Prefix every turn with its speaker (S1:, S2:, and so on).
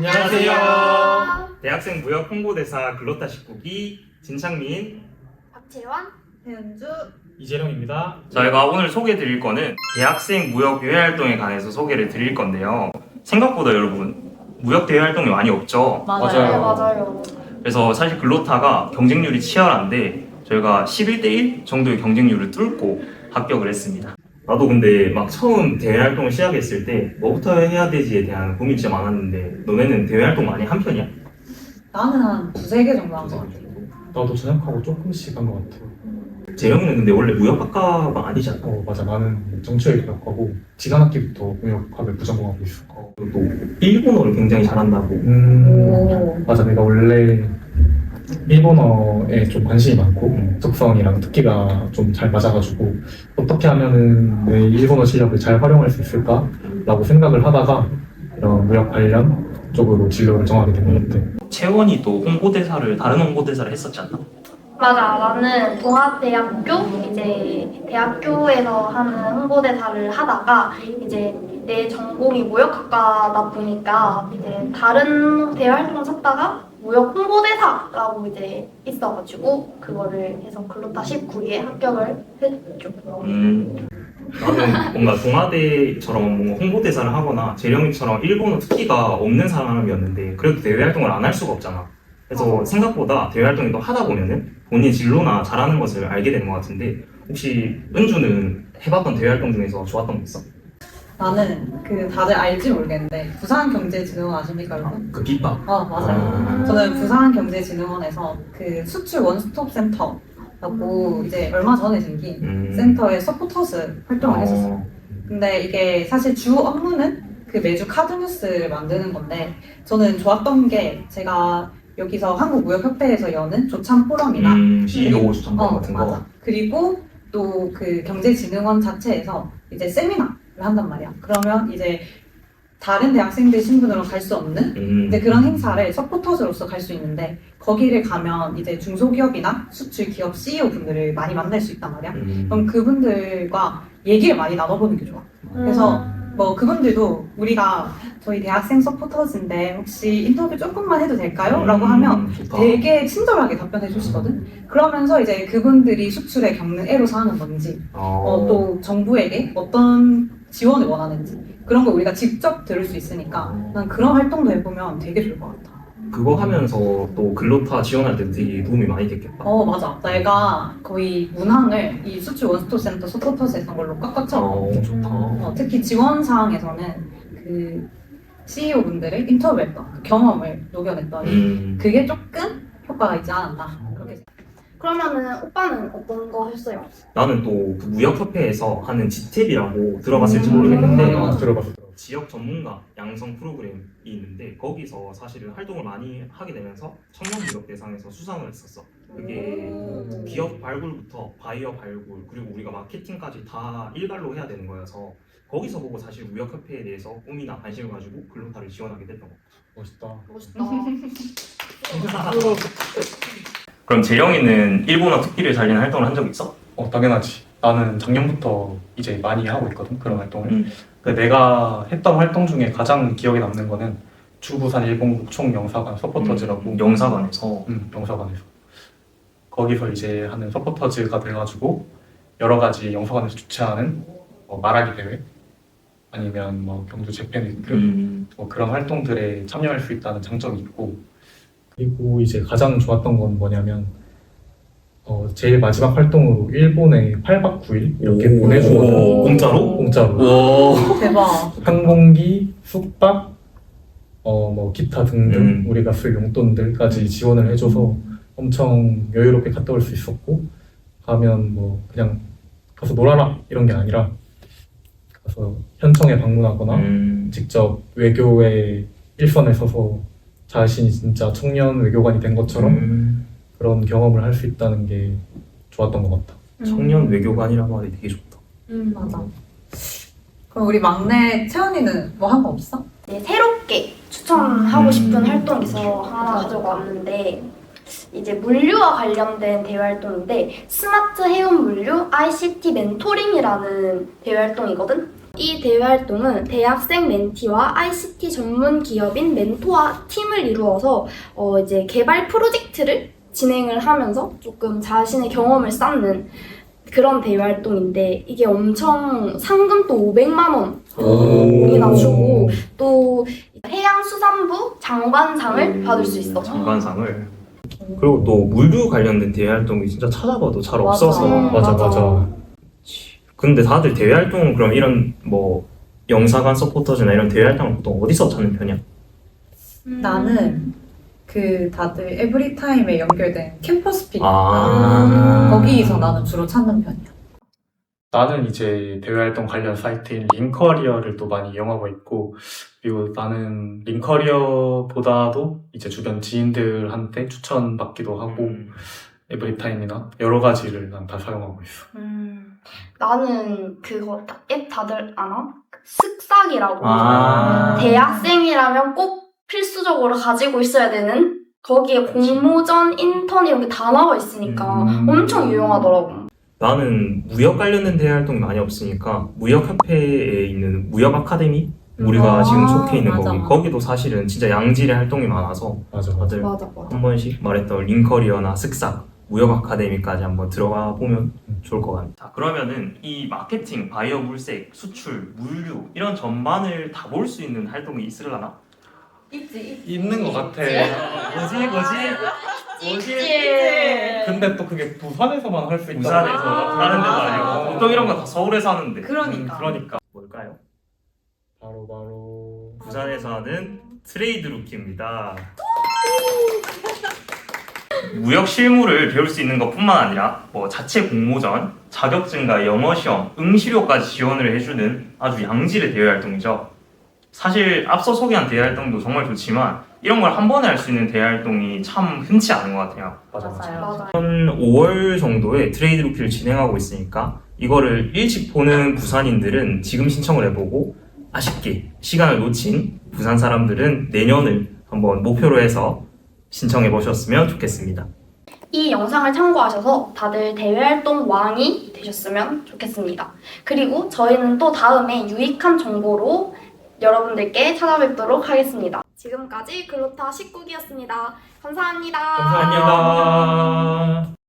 S1: 안녕하세요.
S2: 대학생 무역 홍보대사 글로타 19기 진창민.
S3: 박채원,
S4: 배은주,
S1: 이재령입니다.
S2: 저희가 오늘 소개해 드릴 거는 대학생 무역 대외 활동에 관해서 소개를 드릴 건데요. 생각보다 여러분 무역 대외 활동이 많이 없죠.
S1: 맞아요.
S3: 맞아요.
S2: 그래서 사실 글로타가 경쟁률이 치열한데 저희가 11대1 정도의 경쟁률을 뚫고 합격을 했습니다. 나도 근데 막 처음 대외 활동을 시작했을 때 뭐부터 해야 되지에 대한 고민이 진짜 많았는데 너네는 대외 활동 많이 한 편이야?
S4: 나는 한 두세 개 정도 한 것 같아.
S1: 나도 전역하고 조금씩 한 것 같아요.
S2: 재영이는 근데 원래 무역학과가 아니지 않나?
S1: 맞아. 나는 정치외 교육하고 지난학기부터 무역학을 부전공하고 있어.
S2: 그리고 또 일본어를 굉장히 잘한다고.
S4: 오.
S1: 맞아. 내가 원래 일본어에 좀 관심이 많고 적성이랑 특기가 좀 잘 맞아가지고 어떻게 하면은 내 일본어 실력을 잘 활용할 수 있을까라고 생각을 하다가 이런 무역 관련 쪽으로 진로를 정하게 된 것 같아.
S2: 채원이 또 홍보대사를 다른 홍보대사를 했었지 않나?
S3: 맞아. 나는 동아대학교 이제 대학교에서 하는 홍보대사를 하다가 이제 내 전공이 무역학과다 보니까 이제 다른 대외 활동을 찾다가 무역 홍보대사라고 이제 있어가지고 그거를 해서 글로타 19기에 합격을 했죠.
S2: 나는 뭔가 동아대처럼 뭔가 홍보대사를 하거나 재령이처럼 일본어 특기가 없는 사람이었는데 그래도 대외 활동을 안 할 수가 없잖아. 그래서 생각보다 대외 활동을 또 하다 보면은 본인 진로나 잘하는 것을 알게 되는 것 같은데 혹시 은주는 해봤던 대외 활동 중에서 좋았던 거 있어?
S4: 나는 그 다들 알지 모르겠는데 부산경제진흥원 아십니까 여러분?
S2: 그 깃밥.
S4: 맞아요. 저는 부산경제진흥원에서 그 수출 원스톱 센터라고 이제 얼마 전에 생긴 센터의 서포터즈 활동을 했었어요. 근데 이게 사실 주 업무는 그 매주 카드 뉴스를 만드는 건데 저는 좋았던 게 제가 여기서 한국무역협회에서 여는 조참 포럼이나
S2: CEO 추천단 같은 거.
S4: 맞아. 그리고 또 그 경제진흥원 자체에서 이제 세미나를 한단 말이야. 그러면 이제 다른 대학생들 신분으로 갈 수 없는 이제 그런 행사를 서포터즈로서 갈 수 있는데 거기를 가면 이제 중소기업이나 수출 기업 CEO 분들을 많이 만날 수 있단 말이야. 그럼 그분들과 얘기를 많이 나눠보는 게 좋아. 그래서 뭐 그분들도 우리가 저희 대학생 서포터즈인데 혹시 인터뷰 조금만 해도 될까요? 라고 하면
S2: 좋다.
S4: 되게 친절하게 답변해 주시거든. 그러면서 이제 그분들이 수출에 겪는 애로사항은 뭔지 또 정부에게 어떤 지원을 원하는지 그런 걸 우리가 직접 들을 수 있으니까 난 그런 활동도 해보면 되게 좋을 것 같아.
S2: 그거 하면서 또 글로타 지원할 때 되게 도움이 많이 됐겠다.
S4: 맞아. 내가 거의 문항을 이 수출 원스톱 센터 서포터즈 했던 걸로 꽉꽉 채워.
S2: 좋다.
S4: 특히 지원 사항에서는 그 CEO 분들을 인터뷰했던 그 경험을 녹여냈더니 그게 조금 효과가 있지 않았나 그렇게.
S3: 그러면은 오빠는 어떤 거 했어요?
S2: 나는 또 그 무역협회에서 하는 지탭이라고 들어봤을지 모르겠는데
S1: 들어봤어.
S2: 지역 전문가 양성 프로그램이 있는데 거기서 사실은 활동을 많이 하게 되면서 청년 무역 대상에서 수상을 했었어. 그게 기업 발굴부터 바이어 발굴 그리고 우리가 마케팅까지 다 일괄로 해야 되는 거여서 거기서 보고 사실 무역협회에 대해서 꿈이나 관심을 가지고 글로타를 지원하게 됐던 거.
S1: 멋있다.
S3: 멋있다.
S2: 그럼 재령이는 일본어 특기를 살리는 활동을 한 적 있어?
S1: 당연하지. 나는 작년부터 이제 많이 하고 있거든, 그런 활동을. 근데 내가 했던 활동 중에 가장 기억에 남는 거는 주부산 일본국 총영사관 서포터즈라고.
S2: 영사관에서.
S1: 영사관에서. 거기서 이제 하는 서포터즈가 돼가지고 여러 가지 영사관에서 주최하는 말하기 대회 아니면 뭐 경주 재팬위크 뭐 그런 활동들에 참여할 수 있다는 장점이 있고 그리고 이제 가장 좋았던 건 뭐냐면 제일 마지막 활동으로 일본에 8박 9일 이렇게 보내주거든.
S2: 공짜로?
S1: 공짜로.
S4: 대박.
S1: 항공기, 숙박, 뭐 기타 등등 우리가 쓸 용돈들까지 지원을 해줘서 엄청 여유롭게 갔다 올 수 있었고 가면 뭐 그냥 가서 놀아라 이런 게 아니라 가서 현청에 방문하거나 직접 외교의 일선에 서서 자신이 진짜 청년 외교관이 된 것처럼 그런 경험을 할 수 있다는 게 좋았던 것 같다.
S2: 청년 외교관이라고 하기 되게 좋다.
S4: 맞아. 그럼 우리 막내 채원이는 뭐 한 거 없어?
S3: 네, 새롭게 추천하고 싶은 활동이 있어 하나 가지고 왔는데 이제 물류와 관련된 대외 활동인데 스마트 해운 물류 ICT 멘토링이라는 대외 활동이거든. 이 대외 활동은 대학생 멘티와 ICT 전문 기업인 멘토와 팀을 이루어서 이제 개발 프로젝트를 진행을 하면서 조금 자신의 경험을 쌓는 그런 대외 활동인데 이게 엄청 상금도 500만 원이나 주고 또 해양수산부 장관상을 받을 수 있어.
S2: 장관상을. 그리고 또 물류 관련된 대외 활동이 진짜 찾아봐도 잘 없어서.
S1: 맞아.
S2: 근데 다들 대외 활동은 그럼 이런 뭐 영사관 서포터즈나 이런 대외 활동을 보통 어디서 찾는 편이야?
S4: 나는 그 다들 에브리타임에 연결된 캠퍼스 픽 거기서 나는 주로 찾는 편이야.
S1: 나는 이제 대외활동 관련 사이트인 링커리어를 또 많이 이용하고 있고, 그리고 나는 링커리어보다도 이제 주변 지인들한테 추천받기도 하고, 에브리타임이나 여러 가지를 난 다 사용하고 있어.
S3: 나는 그거 앱 다들 아나? 쓱싹이라고.
S2: 아.
S3: 대학생이라면 꼭 필수적으로 가지고 있어야 되는 거기에 공모전, 인턴 이런 게 다 나와 있으니까 엄청 유용하더라고.
S2: 나는 무역 관련된 대외 활동이 많이 없으니까 무역협회에 있는 무역 아카데미 우리가 지금 속해 있는
S4: 맞아.
S2: 거기도 사실은 진짜 양질의 활동이 많아서
S1: 맞아.
S2: 다들
S3: 맞아.
S2: 한 번씩 말했던 링커리어나 쓱싹 무역 아카데미까지 한번 들어가 보면 좋을 것 같아요. 자, 그러면은 이 마케팅, 바이어 물색, 수출, 물류 이런 전반을 다 볼 수 있는 활동이 있으려나?
S4: 있지.
S1: 있는 것 같아.
S2: 뭐지?
S1: 근데 또 그게 부산에서만 할 수 있다.
S2: 부산에서 다른 데도 아니고 보통 이런 거 다 서울에서 하는데.
S4: 그러니까.
S2: 뭘까요?
S1: 바로
S2: 부산에서 하는 트레이드 루키입니다. 무역 실무를 배울 수 있는 것뿐만 아니라 뭐 자체 공모전, 자격증과 영어 시험, 응시료까지 지원을 해주는 아주 양질의 대외 활동이죠. 사실 앞서 소개한 대외 활동도 정말 좋지만 이런 걸 한 번에 할 수 있는 대외 활동이 참 흔치 않은 것 같아요.
S3: 맞아요.
S2: 한 5월 정도에 트레이드 루키를 진행하고 있으니까 이거를 일찍 보는 부산인들은 지금 신청을 해보고 아쉽게 시간을 놓친 부산 사람들은 내년을 한번 목표로 해서 신청해 보셨으면 좋겠습니다.
S3: 이 영상을 참고하셔서 다들 대외활동 왕이 되셨으면 좋겠습니다. 그리고 저희는 또 다음에 유익한 정보로 여러분들께 찾아뵙도록 하겠습니다. 지금까지 글로타 19기였습니다. 감사합니다.
S2: 감사합니다.